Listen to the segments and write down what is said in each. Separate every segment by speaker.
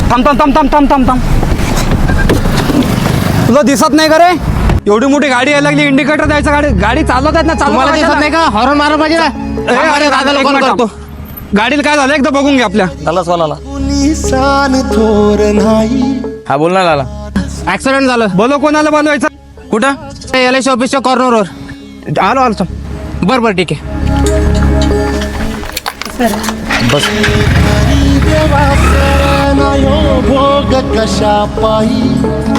Speaker 1: थांब थांब थांब थांब थांब थांब थांब. तुला दिसत नाही का रे? एवढी मोठी गाडी यायला लागली, इंडिकेटर द्यायचं. गाडी गाडी चालवत आहेत ना,
Speaker 2: तुम्हाला दिसत नाही का? हॉर्न मारा पाहिजे ना.
Speaker 1: अरे दादाला कॉल करतो. गाडीला काय झालं एकदा बघून घे आपल्या.
Speaker 2: हा बोल ना लाला. ऍक्सिडेंट झालं.
Speaker 1: बोलो, कोणाला बोलवायचं?
Speaker 2: कुठं? LIC ऑफिसच्या कॉर्नरवर.
Speaker 1: आलो आलो.
Speaker 2: बरं बरं ठीक आहे.
Speaker 1: बस.
Speaker 3: भोग कशा पायी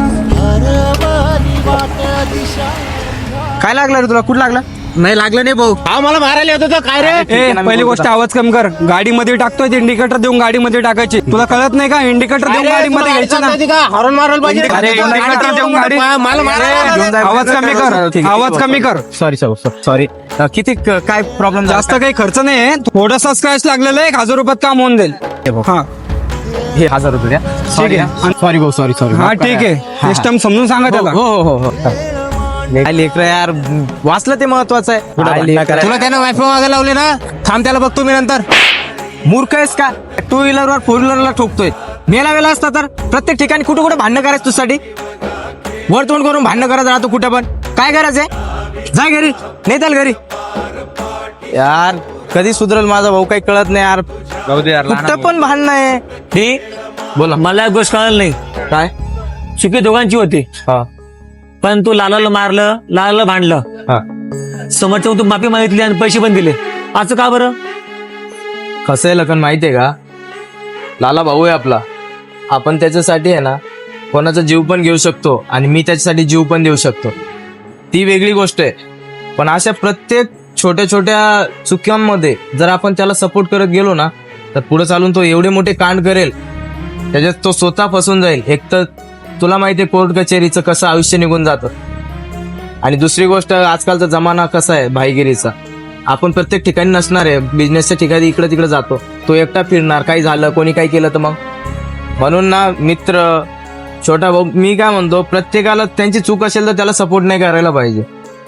Speaker 2: काय लागलं रे तुला? कुठं लागलं? नाही लागलं नाही भाऊ. हा मला मारायला येत होतं काय रे?
Speaker 1: ए, पहिली गोष्ट आवाज कमी कर. गाडीमध्ये टाकतोय इंडिकेटर देऊन गाडीमध्ये टाकायची. तुला कळत नाही का? इंडिकेटर देऊन गाडीमध्ये घ्यायचं ना.
Speaker 2: हॉर्न मारायला पाहिजे.
Speaker 1: अरे, इंडिकेटर देऊन गाडी.
Speaker 2: मला मारायला.
Speaker 1: आवाज कमी कर. आवाज कमी कर.
Speaker 2: सॉरी. किती काय प्रॉब्लेम?
Speaker 1: जास्त काही खर्च नाही. थोडासा स्क्रॅच लागलेला आहे. 1000 रुपयात काम होऊन जाईल. हा
Speaker 2: हे 1000 रुपये द्या.
Speaker 1: ठीक आहे.
Speaker 2: सॉरी भाऊ. सॉरी.
Speaker 1: हा ठीक आहे. नेक्स्ट टाइम समजून सांगा त्याला.
Speaker 2: हो. लेकर यार, वाचलं ते महत्वाचं आहे. तुला त्यानं वायफाय मागायला लावले ना. थांब, त्याला बघतो मी नंतर. मूर्ख आहेस का? 2 व्हीलरवर 4 व्हीलरला ठोकतोय. मेला वेळा असता तर प्रत्येक ठिकाणी कुठं कुठं भांडणं करायचं तुझ्यासाठी. वर तोंड करून भांडणं करत राहतो कुठं पण. काय करायचंय? जा घरी. नाही चाल घरी. यार कधी सुधरल माझा भाऊ, काही कळत नाही यार. कुठं पण भांडणं आहे. हे बोला.
Speaker 4: मला एक गोष्ट कळलं नाही.
Speaker 2: काय?
Speaker 4: चुकी दोघांची होती.
Speaker 2: हा
Speaker 4: पण तू लालाला मारलं, लालाला भांडलं.
Speaker 2: हा
Speaker 4: समोरच्या तू माफी मागितली आणि पैसे पण दिले. असं का बरं?
Speaker 2: कसं आहे लखन माहितीये का? लाला भाऊ आहे आपला. आपण त्याच्यासाठी आहे ना कोणाचा जीव पण घेऊ शकतो आणि मी त्याच्यासाठी जीव पण देऊ शकतो. ती वेगळी गोष्ट आहे. पण अशा प्रत्येक छोट्या छोट्या चुक्यांमध्ये जर आपण त्याला सपोर्ट करत गेलो ना, तर पुढे चालून तो एवढे मोठे कांड करेल, त्याच्यात तो स्वतः फसून जाईल. एक तर तुला माहितीये कोर्ट कचेरीचं कसं आयुष्य निघून जातं. आणि दुसरी गोष्ट, आजकालचा जमाना कसा आहे भाईगिरीचा. आपण प्रत्येक ठिकाणी नसणार आहे. बिझनेसच्या ठिकाणी इकडे तिकडे जातो. तो एकटा फिरणार. काही झालं, कोणी काही केलं तर मग. म्हणून ना मित्र, छोटा भाऊ, मी काय म्हणतो, प्रत्येकाला त्यांची चूक असेल तर त्याला सपोर्ट नाही करायला पाहिजे.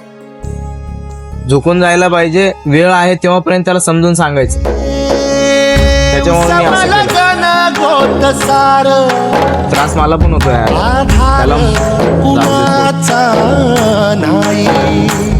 Speaker 2: झुकून जायला पाहिजे. वेळ आहे तेव्हापर्यंत त्याला समजून सांगायचं. त्याच्यामुळे मी असं केलं. त्रास मला पण होतो यार. त्याला
Speaker 3: नाही